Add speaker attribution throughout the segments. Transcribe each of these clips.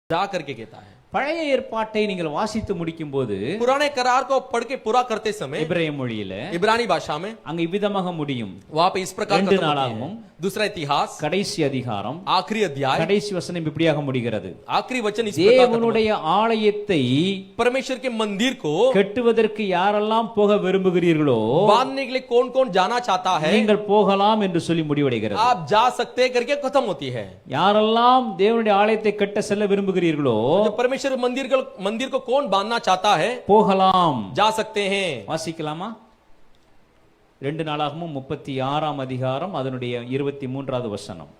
Speaker 1: जा करके कहता है।
Speaker 2: பழைய ஏற்பாட்டை நீங்கள் வாசித்து முடிக்கும் போது
Speaker 1: पुराने करार को पढ़ के पूरा करते समय
Speaker 2: எபிரேய மொழியில
Speaker 1: इब्रानी भाषा में
Speaker 2: அங்க இவ்விதமாக முடியும்.
Speaker 1: वहां पे इस प्रकार
Speaker 2: ரெண்டு
Speaker 1: खत्म होती
Speaker 2: நாளாகவும்
Speaker 1: है। दूसरा इतिहास
Speaker 2: கடைசி அதிகாரம்
Speaker 1: आखिरी अध्याय
Speaker 2: கடைசி வசனம் இப்படியாக முடிகிறது.
Speaker 1: आखिरी वचन इस प्रकार खत्म होता
Speaker 2: தேவனுடைய ஆலயத்தை
Speaker 1: है। परमेश्वर के मंदिर को
Speaker 2: கட்டுவதற்கு யாரெல்லாம் போக விரும்புகிறீர்களோ
Speaker 1: बांधने के लिए कौन कौन जाना चाहता है
Speaker 2: நீங்கள் போகலாம் என்று சொல்லி முடிவடைகிறது.
Speaker 1: आप जा सकते हैं करके खत्म होती है।
Speaker 2: யாரெல்லாம் தேவனுடைய ஆலயத்தை கட்ட செல்ல விரும்புகிறீர்களோ
Speaker 1: जो परमेश्वर मंदिर को कौन बांधना चाहता है
Speaker 2: போகலாம்.
Speaker 1: जा सकते हैं।
Speaker 2: வாசிக்கலாமா? 2 நாளாகமும் 36ஆம் அதிகாரம் அதனுடைய 23வது வசனம்.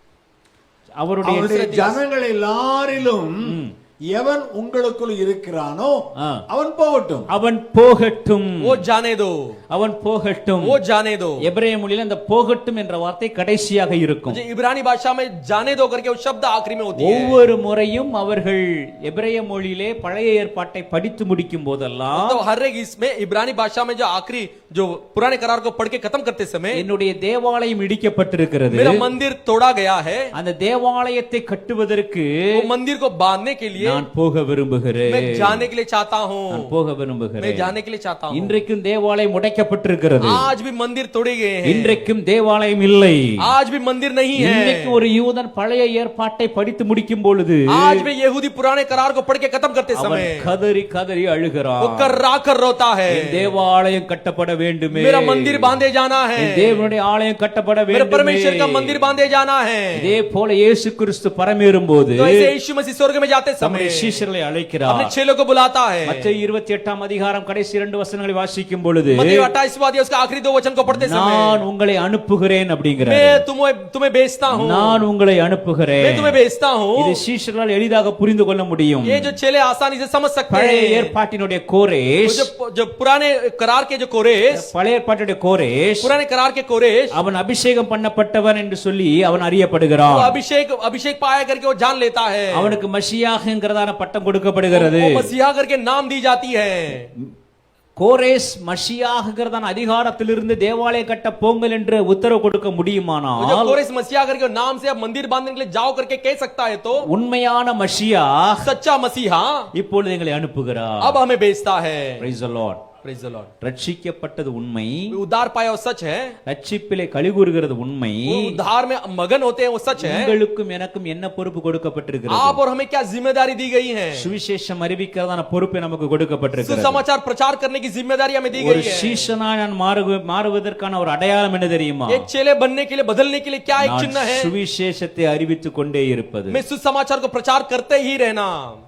Speaker 3: அவருடைய ஜனங்கள் எல்லாரிலும் எவன் உங்களுக்குள் இருக்கிறானோ அவன் போகட்டும்.
Speaker 2: அவன் போகட்டும்.
Speaker 1: वो जाने दो।
Speaker 2: அவன் போகட்டும்.
Speaker 1: वो जाने दो।
Speaker 2: எபிரேய மொழியில அந்த போகட்டும் என்ற வார்த்தை கடைசியாக இருக்கும்.
Speaker 1: इब्रानी भाषा में जाने दो करके वो शब्द आखिरी में होती है।
Speaker 2: ஒவ்வொரு முறையும் அவர்கள் எபிரேய மொழியிலே பழைய ஏற்பாட்டை படித்து முடிக்கும் போதெல்லாம்
Speaker 1: तो हर एक इसमें इब्रानी भाषा में जो आखिरी जो पुराने करार को पढ़ के खत्म करते समय
Speaker 2: என்னுடைய தேவாலயம் இடிக்கப்பட்டிருக்கிறது.
Speaker 1: मेरा मंदिर तोड़ा गया है।
Speaker 2: அந்த தேவாலயத்தை கட்டுவதற்கு
Speaker 1: वो मंदिर को बांधने के लिए
Speaker 2: நான் போக விரும்புகிறேன்.
Speaker 1: मैं जाने के लिए चाहता हूँ।
Speaker 2: நான் போக விரும்புகிறேன்.
Speaker 1: मैं जाने के लिए चाहता हूँ।
Speaker 2: இன்றைக்கும் தேவாலயம் உடைக்கப்பட்டிருக்கிறது.
Speaker 1: आज भी मंदिर तोड़े गए हैं।
Speaker 2: இன்றைக்கும் தேவாலயம் இல்லை.
Speaker 1: आज भी मंदिर नहीं है।
Speaker 2: இன்னைக்கு ஒரு யூதன் பழைய ஏற்பாட்டை படித்து முடிக்கும் பொழுது
Speaker 1: आज भी यहूदी पुराने करार को पढ़ के खत्म करते समय
Speaker 2: கதறி கதறி அழுகிறான்.
Speaker 1: वो कर्रा कर रोता है।
Speaker 2: தேவாலயம் கட்டப்பட வேண்டுமே.
Speaker 1: मेरा मंदिर बांधे जाना है।
Speaker 2: தேவனுடைய ஆலயம் கட்டப்பட
Speaker 1: मेरे
Speaker 2: வேண்டுமே.
Speaker 1: परमेश्वर का मंदिर बांधे जाना है।
Speaker 2: இதே போல இயேசு கிறிஸ்து பரமேறும் போது
Speaker 1: तो ऐसे यीशु मसीह स्वर्ग में जाते समय
Speaker 2: தம்முடைய சீஷர்களை அழைக்கிறார்.
Speaker 1: अपने चेलों को बुलाता है।
Speaker 2: மத்தேயு 28ஆம் அதிகாரம் கடைசி 2 வசனங்களை வாசிக்கும் பொழுது
Speaker 1: मत्ती 28वां अध्याय उसका आखिरी 2 वचन को पढ़ते समय
Speaker 2: நான் உங்களை அனுப்புகிறேன் அப்படிங்கிறார்.
Speaker 1: मैं तुम्हें भेजता हूं।
Speaker 2: நான் உங்களை அனுப்புகிறேன்.
Speaker 1: मैं तुम्हें भेजता हूं।
Speaker 2: இது சீஷர்களால் எளிதாக புரிந்து கொள்ள முடியும்.
Speaker 1: ये जो चेले आसानी से समझ सकते
Speaker 2: பழைய
Speaker 1: हैं।
Speaker 2: ஏற்பாட்டினுடைய கோரேஷ்
Speaker 1: जो पुराने करार के जो कोरेश
Speaker 2: பழைய ஏற்பாட்டுடைய கோரேஷ்
Speaker 1: पुराने करार के कोरेश
Speaker 2: அவன் அபிஷேகம் பண்ணப்பட்டவன் என்று சொல்லி அவன்
Speaker 1: वो
Speaker 2: அறியப்படுகிறான்.
Speaker 1: अभिषेक पाया करके वो जान लेता है।
Speaker 2: அவனுக்கு மஷியாஹ்ங்கிறதான பட்டம் கொடுக்கப்படுகிறது.
Speaker 1: वो मसीहा करके नाम दी जाती है।
Speaker 2: கோரேஸ் மஷியாஹ்ங்கிறதான அதிகாரத்திலிருந்து தேவாலயம் கட்ட போங்கள் என்று உத்தரவு கொடுக்க முடியுமானால்
Speaker 1: जो कोरेश मसीहा करके नाम से अब मंदिर बांधने के लिए जाओ करके कह सकता है तो
Speaker 2: உண்மையான மஷியாஹ்
Speaker 1: सच्चा मसीहा
Speaker 2: இப்பொழுது எங்களை அனுப்புகிறார்.
Speaker 1: अब हमें भेजता है।
Speaker 2: Praise the Lord.
Speaker 1: Praise the Lord।
Speaker 2: ரட்சிக்கப்பட்டது உண்மை.
Speaker 1: उद्धार पाया वो सच है।
Speaker 2: ரட்சிப்பிலே கலிகூறுகிறது உண்மை.
Speaker 1: वो उद्धार में मगन होते हैं वो सच है।
Speaker 2: உங்களுக்கும் எனக்கும் என்ன பொறுப்பு கொடுக்கப்பட்டிருக்கிறது?
Speaker 1: आप और हमें क्या जिम्मेदारी दी गई है?
Speaker 2: சுவிசேஷம் அறிவிக்கிறதான பொறுப்பு நமக்கு கொடுக்கப்பட்டிருக்கிறது.
Speaker 1: सुसमाचार प्रचार करने की जिम्मेदारी हमें दी
Speaker 2: ஒரு
Speaker 1: गई है।
Speaker 2: சீஷனாய் நான் மாறுவதற்கான ஒரு அடையாளம் என்ன தெரியுமா?
Speaker 1: एक चेले बनने के लिए बदलने के लिए क्या एक चिन्ह है?
Speaker 2: சுவிசேஷத்தை அறிவித்துக் கொண்டே இருப்பது.
Speaker 1: मैं सुसमाचार को प्रचार करते ही रहना।